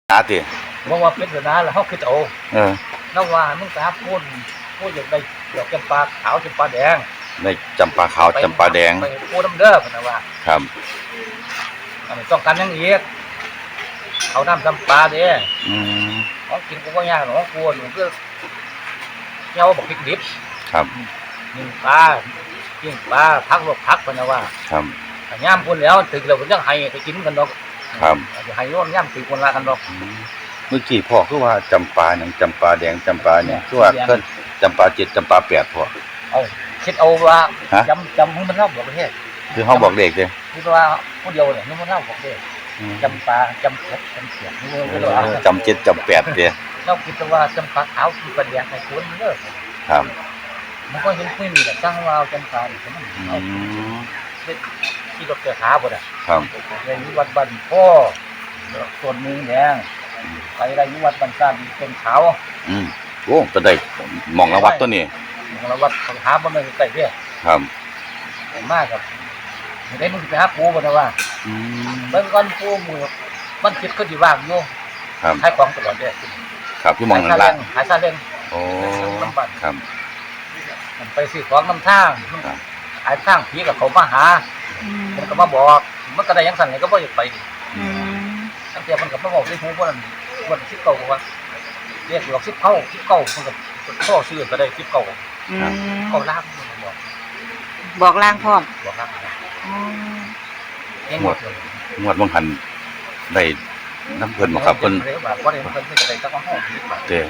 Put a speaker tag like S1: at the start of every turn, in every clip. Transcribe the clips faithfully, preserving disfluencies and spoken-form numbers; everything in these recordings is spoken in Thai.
S1: ตาติ
S2: บอกว่าเป็นนาแล้วเขาคือโต
S1: เออ
S2: แล้วว่ามึงสาพูดพูดอย่างไรดอกจำปาขาวจำปาแดง
S1: ได้จำปาขาวจำปาแดง
S2: ไปพูดน้ำเด้อพนะว่า
S1: ครับ
S2: อันนี้ต้องการยังอีกเขาน้ำจำปาเด้
S1: อืม
S2: ของกินกูก็ยากหรอกกูหนูก็เงี้ยวบอกพริกดิบ
S1: ครับ
S2: ยิงปลายิงปลาพักลวกพักพนะว่า
S1: ครับ
S2: ย่ามคนแล้วถึงเราก็ยังให้ไปกินกันดอก
S1: ครับ
S2: ให้ร่วมย่ามถึงคนละกันดอก
S1: เมื่อกี้พ่อคือว่าจำปาอย่างจำปาแดงจำปาเนี่ยคือว่าเพิ่นจำปาเจ็ดจำปาแปดพ่อ
S2: เอาคิดเอาว่าจำจำให้มันเล่าบอกประเทศ
S1: คือห้องบอกเด็กเลย
S2: คือว่าผู้เดียวเนี่ยมันเล่าบอกเด็กจำปาจำเพชรจำเสียงนี่ก็เลย
S1: จำเจ็ดจำแปดเดีย
S2: เราคิดว่าจำปาขาวคือประเดี๋ยวในคุณเลิก
S1: ครับ
S2: มันก็เห็นไม่มีแต่จ้างว่าจำปาอีกมันเป็นที่รถเกิดหาบ่ได้
S1: ครับ
S2: ในวัดบันพ่อส่วนนึงแดงไปไรวัดบันซ่ามีเป็นขาว
S1: อืมโอ้จะได้มองละวัดตัวนี้
S2: มองละวัดหาบ่ได้ใกล้เด้อ
S1: ครับ
S2: มากครับได้มึงไปหาปูบ่ได้ว่า
S1: อืม
S2: เบิ่งก่อนปูมือมันคิดก็สิว่างอยู่
S1: ครับ
S2: ขายของตลอดเด้อ
S1: ครับพี่มองนั่นล่ะ
S2: ขายซาเล้ง
S1: โอ้ครับ
S2: มันไปซื้อของนำทางขายทางผีกับเขามาหามันก็มาบอกมันก็ได้ยังสั่นก็บ่อยากไปตั้งแต่มันก็มาบอกที่หูว่านั่นวันสิบเก้าว่าเรียกหลอกสิบเก้าสิบเก้ามันก็พ่อซื้อก็ได้สิบเก้าเก้าล้านบอก
S3: บอกล่างพร้อม
S2: บอกล้าน
S1: งวดงวดบางหันได้น้ำเพิ่นบ่ครับเพิ่นเด้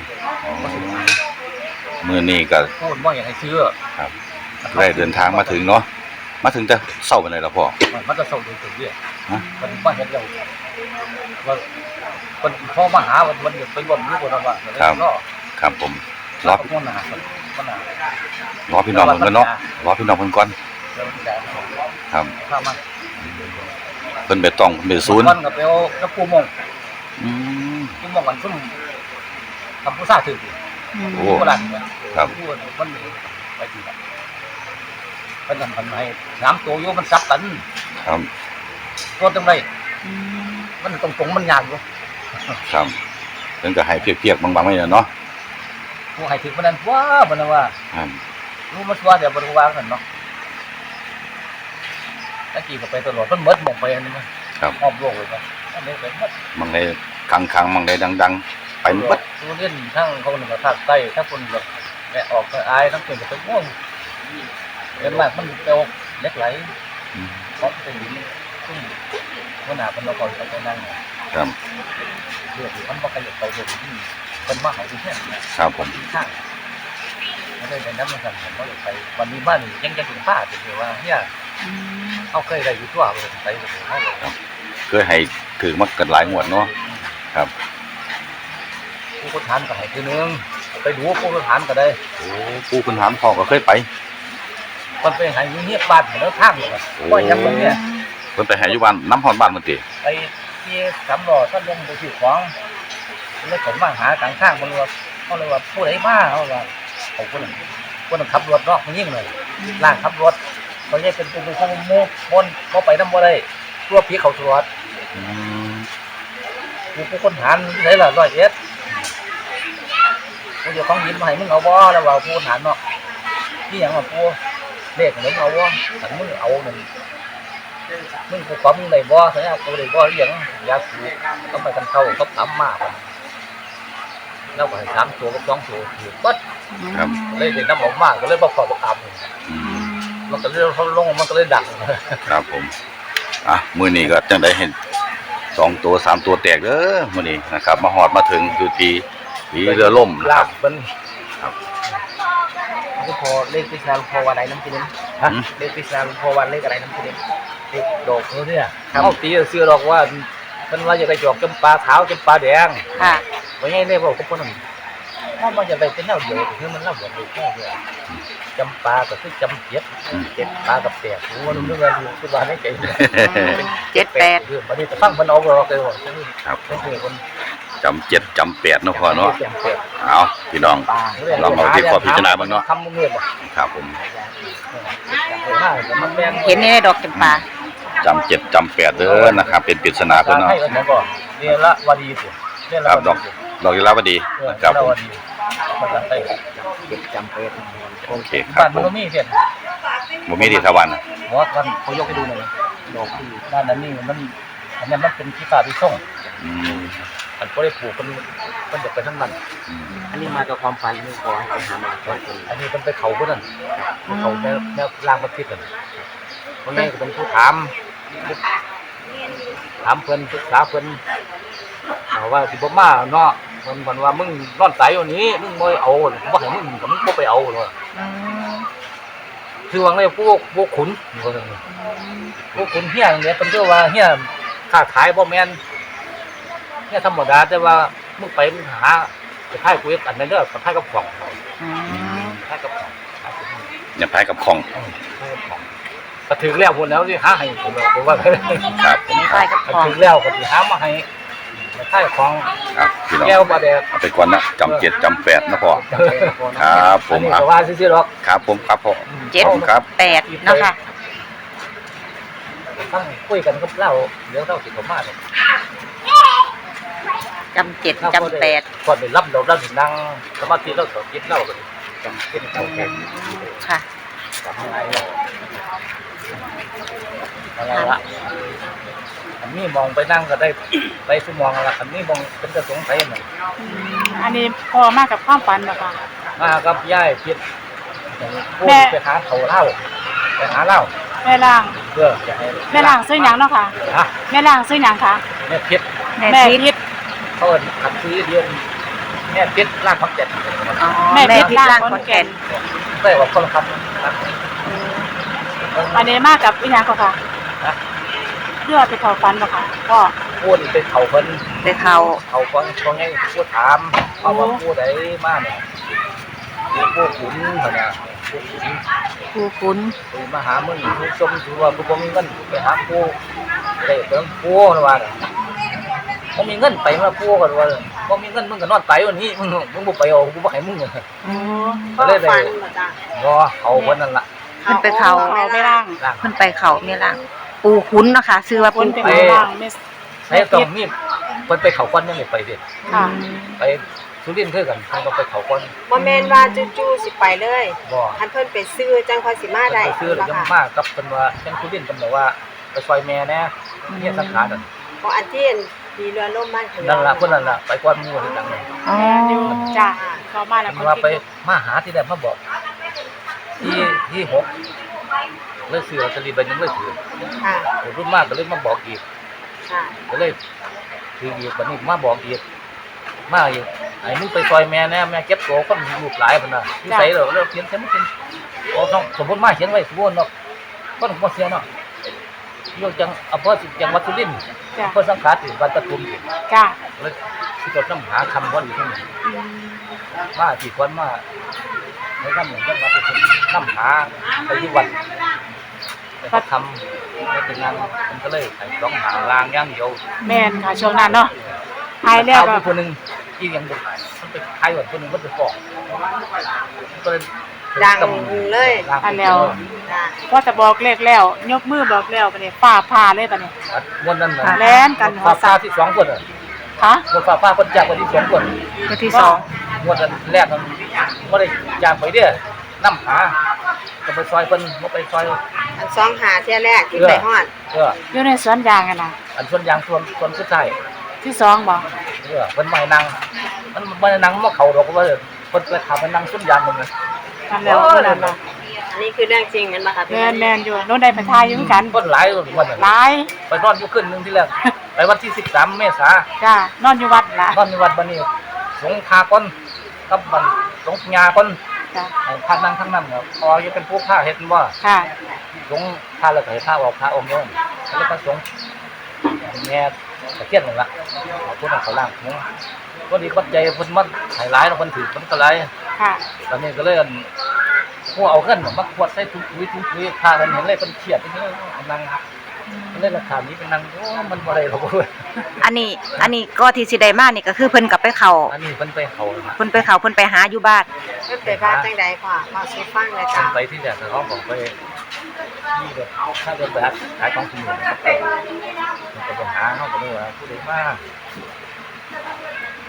S1: มื้อนี้ก็
S2: พูดบ่อยากให้ซื้อ
S1: ครับได้เดินทางมาถึงเนาะมาถึงแต่เช้าปานใดล่ะพ่อ
S2: มันจะเช้าถึงถึงเด้ฮะมันบ่เห็นแล้วว่าคนพ่อมาหาวันวันไปบ่นอยู่บ่นว่า
S1: ครับครับผม
S2: รอ
S1: พี่น้องรอพี่น้องเพิ่นก่อนเนาะรอพี่น้องเพิ่นก่อนครับเพิ่นไปต้องเพิ่นไปศูนย์
S2: มันก็ไปเอาตะปูมง
S1: อืม
S2: ปูมงกันซุ่มทำผู้ซ่าถึง
S1: โอ้
S2: โบราณ
S1: ครับ
S2: มันไปที่นั่นเพิ่นทำให้สามตัวอยู่มันซับกัน
S1: ครับ
S2: ตัวตรงไหนมันตรงๆมันยากอยู่
S1: ครับเพิ่นก็ให้เพียกๆบางๆไว้เนาะ
S2: ผู้ให้ถึงมันนั้นว่าบ่นะว่า
S1: ครับ
S2: รู้มันว่าเดี๋ยวบ่รู้ว่ากันเนาะตะกี้ก็ไปตลอดเพิ่นหมดหมองไปอันนี้มั้ย
S1: ครับ
S2: รอบโลกเลยมั้ยอันนี้ไปหมด
S1: บางได้คังๆบางได้ดังๆไปหมด
S2: ผู้เล่นทั้งเขานึงก็ภาคใต้ทั้งคนแบบแม่ออกอายทั้งคนก็ไปม่วงเป็นมากมันเปลวเล็กไหลของเป็นหินซึ่งวันหน้าเพิ่นเราก็ไปนั่ง
S1: ครับ
S2: เพื่อที่มันบ่ขยับไปเลยที่เพิ่นมาเฮาอยู่แท้
S1: ครับผม
S2: ข้างไม่ได้เป็นน้ำมันสั่นผมก็ไปวันนี้บ้านยังจะถึงป้าถือว่าเฮียเขาเคยได้อยู่ทั่วเลยไปเขาเลย
S1: เคยให้ถือมากันหลายงวดเนาะครับ
S2: ผู้คนทานก็ให้ทีนึงไปดูผู้คนทานก็ได้
S1: โอ้ผู้คนทานพอก็เคยไป
S2: มันไปให้เงียบบ้านแล้วทางเลยก็ยังแบบเนี้ย
S1: มันไปให้อยู่บ้านน้ำหอนบ้านมันติ
S2: ไปที่สามล้อท่านลงไปซื้อของเลยผมมาหากลางข้างมันว่าเขาเลยว่าผู้ใดมาเขาว่าเขาคนนั้นคนนั้นขับรถเนาะมันยิ่งเลยล่างขับรถเขาแยกเป็นเป็นคนมุกคนเขาไปน้ำบ่ได้ตัวผีเขาตรวจผู้ผู้คนฐานที่ไหนล่ะร้อยเอ็ดผู้เจ้าของยินมาให้มึงเอาบ่แล้วว่าผู้คนฐานเนาะนี่อย่างว่าผู้เลขมึงเอาบ่แต่มึงเอาหนึ่งมึงผู้ความมึงได้บ่สัญญาตัวได้บ่เรื่องยาสูบต้องไปกันเข้าเขาถามมากแล้วก็ให้สามตัวกับสองตัวอยู่ปั๊ดเลยเด็กน้ำออกมากก็เลยบอกขอบอกอับมันก็เลยเขาลงมันก็เลยดัง
S1: ครับผมอ่ะมือนี้ก็จังได้เห็นสองตัวสามตัวแตกเด้อมือนี้นะครับมาหอดมาถึงอยู่ที่ที่เรือล่มนะครับ
S2: ครับก็พอเลขพิศนาพอวันไหนน้ำกินฮะเลขพิศนาพอวันเลขอะไรน้ำกินเลขดอกเนี่ยเขาตีเสื้อดอกว่ามันว่าจะได้จอกจำปาขาวจำปาแดง
S3: ค่ะ
S2: ว่าไงเนี่ยบอกกับคนนั้นถ้ามันจะไปเป็นเล่าเดียวคือมันเล่าแบบแค่เดียวจำปาก็คือจำเจ็ดเจ็ดปลากับแปดรู้ว่ารู้เรื่องอะไรคือว่าไม่ใจ
S3: เจ็ดแปด
S2: คือวันนี้จะฟังมันเอาเราเลยว่า
S1: ครับจำเจ็ดจำแปดเนาะพอเนาะเอาพี่น้องลองเอาที่ขอพิจารณาบ้างเนาะครับผม
S3: เห็นในดอกจำปา
S1: จำเจ็ดจำแปดเด้อนะครับเป็นปริศนาเพิ่นเนาะ
S2: นี่ละวารีสิเรื่อง
S1: ค
S2: รา
S1: รับ
S2: ว
S1: ดอกดอกยีราฟดี
S2: เออ
S1: ครับ
S2: เรา
S1: ผม
S2: ดีภาษาไทย
S4: เก็บจำเป็น
S1: โอเคครับ
S2: บ้าน
S1: ผ
S2: มัน
S1: ม
S2: ก็มีเพียน
S1: บ่มีดีทวัน
S2: หัวกันเขายกให้ดูหน่อยดอกที่ด้านนั้นนี่มันอันนี้มันเป็นที่ป่าที่ส่ง
S1: อืม
S2: มันก็ได้ปลูกมันมันจะไปทั้งมัน
S1: อืม
S4: อันนี้มากับความฝันไม่ขอให้ไปหามาก่อนคน
S2: อันนี้มันไปเขาพวกนั้นไปเขาแนวแนวล่างประเทศกันเพราะงั้นก็เป็นผู้ถามถามเพิ่นศึกษาเพิ่นเอาว่าสิบ่มาเนาะเพิ่นเพิ่นว่ามึงนอนไสอยู่นี้มึงบ่เอาบ่ให้มึงก็มึงบ่ไปเอาเนาะ
S3: อืม
S2: คือว่าไงพวกพวกขุนพวกขุนเฮียเนี่ยเป็นก็ว่าเฮียค้าขายบ่แม่นเฮียธรรมดาแต่ว่ามึงไปมึงหาไปขายกูอันนั้นเด้อกับขายกับของ
S3: อืม
S2: ขายกับของขายกับของ
S1: อย่าแพ้กับของ
S2: ขายกับของก็ถึงแล้วพุ่นแล้วสิหาให้ผมผมว่า
S1: ครับ
S3: มีป้ายกับ
S2: ก็
S3: ของ
S2: ถึงแล้วก็สิหามาให้ขายของ
S1: ครับพี่น้อง
S2: แก้วบ่แดด
S1: เอาไปก่อนนะจำเจ็ดจำแปดนะพ่อครับผ
S2: อัน
S1: ม
S2: นี้
S1: อ่ะ
S2: ก็ว่าซื่อๆหรอก
S1: ครับผมครับพ่อ
S3: เจ็ด
S1: ขอบคุณครับ
S3: แปดเนาะค่ะ
S2: ทั้งคุยกันกับเล่าเดี๋ยวเล่าสิผมมาเนี่ย
S3: จำเจ็ดจำแปด
S2: ก่อนไปรับเราเราถึงนั่งสมาธิเราสอนคิดเล่ากันจำเป็นเก่าแก่
S3: ค่ะ
S2: จำอะไรเราอะไรละอันนี้มองไปนั่งก็ได้ไปสมองละอันนี้มองเป็นกระสงสัยหน่อย
S5: อืมอันนี้พอมากกับความฝันเหรอคะ
S2: มากับย่ายพิษพูด
S5: แม่
S2: ไปหาเขาเล่าไปหาเล่า
S5: แม่ล่าง
S2: เพื่อจะให้
S5: แม่ล่างซื้อหยังเนาะค่ะ
S2: ฮะ
S5: แม่ล่างซื้อหยังคะ
S2: แม่พิษ
S3: แม่
S5: แม่
S3: พิษ
S5: พิษ
S2: เขาเอิ้นขัดซื้อเดือนแม่พิษลากพักเจ็ด
S3: อ๋อ
S5: แม่
S3: แม่
S5: พิ
S3: พิ
S5: ษ
S3: ษ
S5: ร่า
S3: ร่าง ง
S5: ข
S3: ข
S5: อ
S3: อน น
S5: แก่
S3: แก่
S5: น
S3: น
S2: ได้ว่าคนละครับ
S5: อันนี้มากกับอีหยังก็ค่ะ
S2: นะ
S5: เลือดไปเขาฝันเหรอคะก็
S2: พูดเป็นเขาเพิ่น
S3: ไปเขา
S2: เขาฟังฟังให้พูดถามเขาว่าพูดได้มากเนี่ยมีพวกขุนเพิ่นน่ะพวกขุน
S3: ผู้คุ้น
S2: ไปมาหามึงผู้ชมถือว่าผู้บ่มีเงินไปหาผู้ได้เพิ่นผู้นะว่าบ่มีเงินไปมาผู้ก็ว่าบ่มีเงินมึงก็นอนไปวันนี้มึงมึงบ่ไปเอากูบ่ให้มึง
S3: อืม
S2: ก็เลยได้รอเขาเพิ่นนั่นล่ะ
S3: เพิ่นไปเขา
S5: เขาไม่ล่าง
S2: ล่าง
S3: เพิ่นไปเขาแม่ล่าง ปูคุ้นเนาะค่ะชื่อว่า
S5: ค
S3: ปู
S5: นเป็น
S3: คุ้น
S5: แม่ล่างไม่
S2: ให้ต้องมีเพิ่นไปเขาก่อนยังไม่ไปเด้
S5: ค่ะ
S2: ไปสุรินทร์คือกันเพิ่นต้องไปเขาก่อน
S6: บ่แม่นว่าจู่ๆสิไปเลย
S2: บ่
S6: คันเพิ่นไปซื้อจังค่อยสิมาได้
S2: ไปซื้อแล้วยังมากับเพิ่นว่าจังสุรินทร์เพิ่นบอกว่าไปซอยแม่แน่เฮียสังขารนั่น
S6: เพราะอันที่มีเรือล่มบ้านเขา
S2: นั่นล่ะเพิ่นนั่นล่ะไปก่อนหมู่ที่ดังนั่น
S3: อ๋อ
S5: แม่อยู่จ้ะเขามาแล้ว
S2: เพิ่
S5: คน
S2: นว่าไป
S5: กิน
S2: มาหาที่แรกมาบอกที่ที่หกเลยซื้อลอตเตอรี่ใบหนึงเลยถือ
S6: ค่ะ
S2: รุ่นมากก็เลยมาบอกอีก
S6: ค่ะ
S2: ก็เลยถืออีกบัดนี้มาบอกอีกมาอีกไอ้มึงไปซอยแม่แน่แม่เก็บตัวคนลูกหลายเพิ่นน่ะที่ใส่แล้วแล้วเขียนเขียนมันเป็นโอ้ต้องสมมุติมาเขียนไว้สมมุติเนาะคนบ่เสียเนาะยกจังอำเภอจังหวัดสุรินทร์
S5: จ้ะ
S2: อำเภอสังขารที่บ้านตะตุ่มนี่
S5: จ้ะ
S2: เลยที่จดน้ำหาคำวันอยู่ที่นี่
S5: อืม
S2: มาที่คนมาในน้ำหนึ่งจังหวัดที่น้ำหาไปที่วัดไปเขาทำแล้วเป็นงานมันก็เลยใส่สองหางลางอย่างเดียว
S5: แม่นค่ะช่วงนั้นเนาะหายแล้ว
S2: เอา
S5: ก็
S2: ไปคนหนึ่งอีกอย่างบุกมันไปขายวัดคนหนึ่งมันไปฟ้องก็เลย
S6: ดังเลย
S5: อันแล้ว
S6: จ้ะ
S5: พอจะบอกเลขแล้ว ยกมือบอกแล้วบัดนี้ฟ้าผ่าเลยบัดนี้
S2: วันนั้นน่ะ
S5: แล่นกันหัว
S2: ฟ้า
S5: สั
S2: ฟ้า
S5: ตว์
S2: ที่สองคนอ่ะ
S5: ค่ะ
S2: วันฟ้าฟ้าคนจากวันที่สองคน
S3: ตัวที่สอง
S2: วันนั้นแรกมันไม่ได้จากไปเด้อน้ำหาจะไปซอยเพิ่นบ่ไปซอย
S6: อันสองหาเที่ยแรกที่ไปฮอด
S2: เออ
S5: อยู่ในสวนยางกันนะ
S2: อันส่วนยางส่วนส่วนสุดท้าย
S5: ที่สองบอก
S2: เออเพิ่นไม่นั่งมันบ่ได้นั่งมาเข้าดอกว่าเพิ่นไปถามไปนั่งส่วนยางมันเลย
S5: อันแล้วเท่านั้นล่ะ
S6: อันนี้คือเรื่องจริงแม่นบ่คะพี่
S5: แม่นแม่นอยู่โน้นได้ไปทายอยู่เหมือนกัน
S2: คนหลายวันนั้น
S5: หลาย
S2: ไปนอนอยู่ขึ้นหนึงที่แรก ไปวันที่สิบสามเมษา
S5: จ้านอนอยู่วัดล่ะ
S2: นอนในวัดบัดนี้สงฆ์พาก่อนกับบัดสงฆ์ญาก่อน
S5: จ้ะ
S2: ให้พานั่งทั้งนั้นครับพออยู่เป็นผู้พาเฮ็ดบ่
S5: ค่ะ
S2: สงฆ์พาแล้วก็ให้พาออกพาออกโยนแล้วก็สงฆ์แม่ตะเคียนนั่นล่ะเอาผู้นั้นเขาล่างหัวก็ดีปัจจัยเพิ่นมันให้หลายแล้วเพิ่นถือเพิ่นก็หลาย
S5: ค่ะ
S2: ตอนนี้ก็เลยอั่นพวกเอาเงินมาขวดใส่ถุงปุ๋ยถุงปุ๋ยพากันเห็นเลยเป็นเครียดที่นี่นั่งมันเลยราคานี้เป็นนั่งโอ้มันบ่ได้หรอกเว้ย
S3: อันนี้ อันนี้ก็ที่สิได้มานี่ก็คือเพิ่นกลับไปเขา
S2: อันนี้เพิ่นไปเขานะ
S3: เพิ่นไปเขาเพิ่นไปหาอยู่บ้าน
S6: เพิ่นไปบ้านจังใดพ่อพ่อสิฟังเลย
S2: เพิ่
S6: จ้ะ
S2: นไปที่แรกเขาบอกไปนี่แบบถ้าเดินไปหาขายของที่นี่มันก็ไปหาเขาก็เลยว่าผู้ใดมา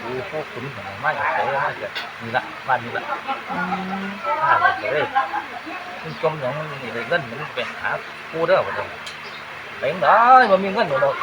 S2: ปูพวกขุนของมาจากไหนมาจากนี่ละบ้านนี่ละ
S3: อืม
S2: ถ้าเราจะได้มันจมอย่างมันนี่เลยเงินมันไปหาปูเด้อบ่ได้ไปได้บ่มีเงินหรอก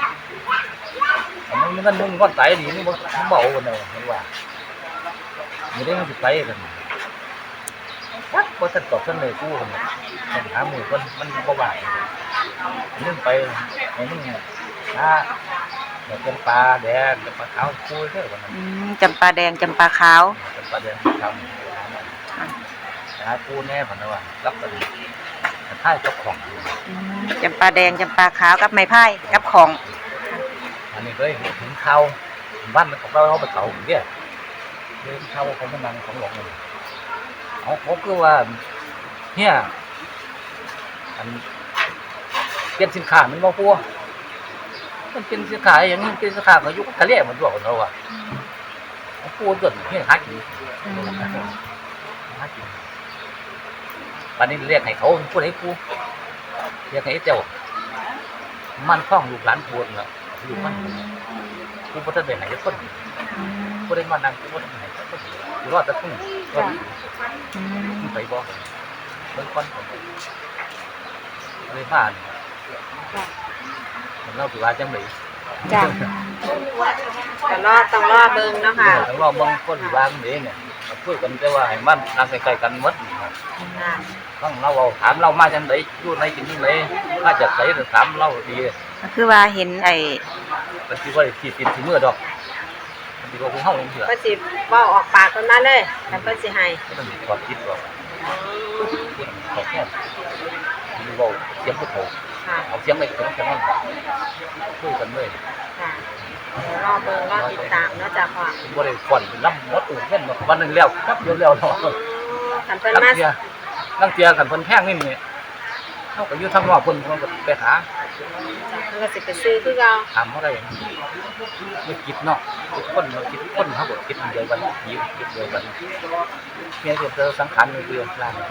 S2: มันมีเงินมึงก้อนไตดีนี่บ่เบากันเลยเห็นว่าไม่ได้มันสิไปกันวัดบ่ทันตอบทันเลยกูคนนี้มันหาหมู่คนมันบ่ว่ามึงไปให้มึงหาเดี๋ยวเป็นปลาแดงเป็นปลาขาวกูเด้อวันนั้น
S3: อืมจำปาแดงจำปาขาว
S2: เป็นปลาแดงทำหาปูแน่ผ่านว่ารับกันท้ายเจ้าของ
S3: อืมจำปาแดงจำปาขาวกับไม้พายกับของ
S2: อันนี้ก็ถึงเข้าบ้านของเราเราไปเก่าอย่างเงี้ยเดินเข้าของมันนังของหลวงเลยเอาผมคือว่าเนี่ยอันเปลี่ยนสินค้ามันมาพัวมันเป็นสินค้าอย่างนี้เป็นสินค้าเขายุคทะเลมันด้วยของเราอ่ะพัวจนเนี่ยหากินหากินวันนี้เรียกให้เขาพูดให้ปูเรียกให้เจ้ามันคล้องลูกหลานพูดเนาะลูกมันกูบ่ทันได้ให้คนบ่ได้มานั่งกูบ่ได้ให้คนกูรอดแต่พึ่งรอด
S3: อืม
S2: ไปบ่เบิ่งคนอะไรผ่านมันเล่าสิว่าจังได๋
S5: จ้ะ
S6: ก็รอต้องรอเบิ่งเนาะค่ะ
S2: ต้องรอเบิ่งคนสิว่าจังได๋เนี่ยคุยกันแต่ว่าให้มันนั่งใกล้ๆกันหมด
S6: ค่ะ
S2: ต้องเราเอาถามเรามาจังได๋อยู่ในกินจังได๋มาจากไสก็ถามเราดี
S3: ก็คือว่าเห็นไอ้
S2: มันสิว่าสิติดสิมือดอกมันสิว่าผู้เฮาจังซี่ล่ะ
S6: เพิ่นสิเว้าออกปากเพิ่นมาเลยแต่เพิ่นสิให้
S2: มันสิความคิดว่าขอแค่มีเว้าเสียงผู้โต
S6: ค่ะ
S2: เอาเสียงไปถึงกันนั่นคุยกันเลย
S6: ค่ะเดี๋ยวรอเบิ่งรอติดตามเนาะจ้ะพ่อ
S2: บ่ได้ฟ้อนลำหมดอื่นเงินวันนึงแล้วครับเดียวแล้วเนาะ
S6: คันเพิ่น
S2: ลัง
S6: มา
S2: เทียลังเทียกันเพิ่นแพงนี่นี่เฮาก็อยู่ทางนอกเพิ่นเพิ่นก็ไปหา
S6: เพิ่นก็สิไปซื้อคือเก่า
S2: ถามเฮาได้ไม่คิดเนาะคิดคนคิดคนเฮาก็คิดเดียวกันยิคิดเดียวกันเมียก็เจอสังขารนี่คือล่าง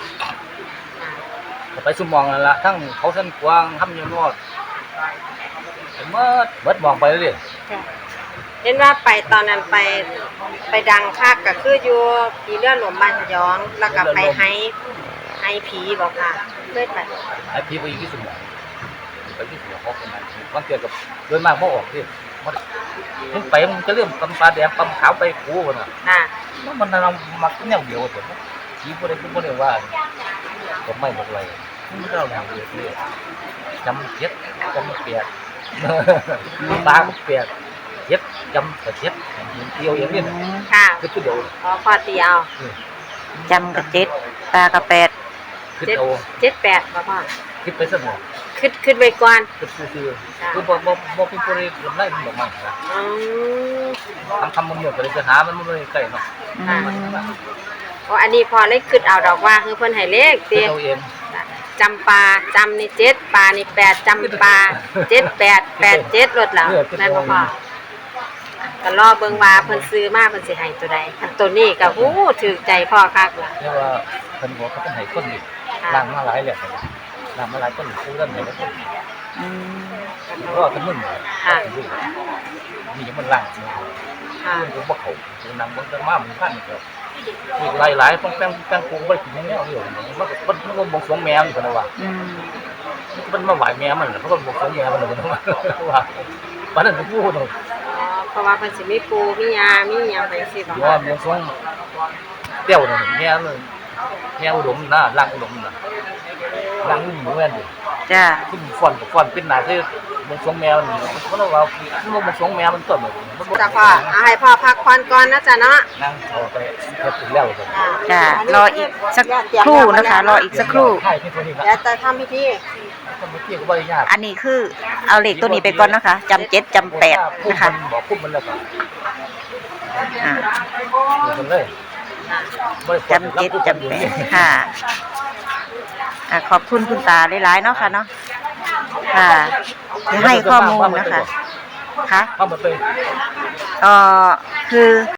S2: ก็ไปสุมองนั่นล่ะทั้งเขาเส้นกวางทำอยู่นอดเมื่อเบิดมองไปเรื่อย
S5: จ้ะ
S6: เห็นว่าไปตอนนั้นไปไปดังคักก็คืออยู่ที่เรือหลวงบ้านขยองแล้วก็ไปให้ให้ผีบ่ค่ะเคยไป
S2: ไอ้พี่ไปอยู่ที่สมองไปที่สมองเขาคนนั้นบางเกิดกับโดยมากบ่ออกที่มันถึงไปมันจะเริ่มกำปลาแดงกำขาวไปกูกันน่ะ
S6: ค่ะ
S2: แล้วมันนำมาแนวเดียวแต่ผีบ่ได้คือบ่ได้ว่าผมไม่บอกอะไรมันเราแนวเดียวเลยจำเจ็ดจำเปียกตาเปียกเจ็ดจำแต่เจ็ดเดียวอย่างนี้
S6: ค่ะ
S2: คือตัวเดียว
S6: อ๋อพอตีเอา
S3: จำกับเจ็ดตากับแปด
S2: คือ
S6: เจ็ด
S2: เอา
S6: เจ็ดแปดบ่พ่อ
S2: คิดไปซะหน่อย
S6: ขึ้นขึ้นไว้ก่อน
S2: คือคือคือบ่บ่บ่เป็นผู้ใดลำไรมันบ่มา
S6: อืม
S2: ทำทำมันเหมือนกันเลยจะหามันไม่ใกล้เนาะ
S3: อืม
S6: เพราะอันนี้พอเลยขึ้นเอาดอกว่าคือเพิ่นให้เลข
S2: คือ
S6: ติ
S2: เราเอง
S6: จำปาจำนี่เจ็ดปานี่แปดจำปาเจ็ดแปดแปดเจ็ดรถแล้วนั่นบ่พ่อก็รอเบิ่งว่าเพิ่นซื้อมาเพิ่นสิให้ตัวใดอันตัวนี้ก็ฮู้ถูกใจพ่อคักล่ะ
S2: เรียกว่าเพิ่นบอกเขาเป็นให้คนนี่ล้างมาหลายแล้วล้างมาหลายคนผู้นั้นให้คน
S3: อืม
S2: รอดทั้งมึง
S6: ค่ะ
S2: นี่ยังมันล้าง
S6: ค่ะ
S2: เพิ่นก็บ่เข้าคือนำเบิ่งแต่มามันพันก็มีหลายๆต้องแป้งแป้งปูบ่ได้กินแนวเดียวมันก็มันมันบ่สวงแมวนี่เพิ่นว่า
S3: อืม
S2: มันมาไหวแมวมันเพราะมันบ่สวงแมวมันเพิ่นว่าว่าปานนั้นก็พูดเนาะ
S6: อ๋อเพราะว่าเพิ่นสิมีปูมียามีหยังไปสิบ่
S2: ยอมบ่สวงเตี้ยวนั่นแมวนั่นแมวอุดมนะล้างอุดมน่ะล้างนี่เหมือนดิ
S3: จ้ะ
S2: ขึ้นฟ้อนฟ้อนเป็นหน้าที่บ่สวงแมวนี่เพราะว่ามันบ่สวงแมวมันต้นมันบ่
S6: จ้ะพ่อเอาให้พ่อพักผ่อนก่อนนะจ๊ะเนาะ
S2: นั่งเอาไปเฮ็ดแล้วก็
S6: ค่ะ
S3: จ้ะรออีกสักครู่นะคะ รออีกสักครู่
S2: ใช่ที่ตัวนี้ครับ
S6: เดี๋ยวจะทำพิธี
S2: คนเมื่อกี้ก็บ่ได้ยาก
S3: อันนี้คือเอาเลขตัวนี้ไปก่อนนะคะจำเจ็ดจำแปดนะคะ
S2: บอกปุ๊บมันแล้วก็
S3: อ่า
S2: อยู่กันเลยบ่ได้
S3: จำเจ็ดจำแปดค่ะอ่าขอบคุณคุณตาหลายๆเนาะค่ะเนาะค่ะที่ให้ข้อมูลนะคะค่ะ
S2: เข้ามาเป็น
S3: เอ่อคือ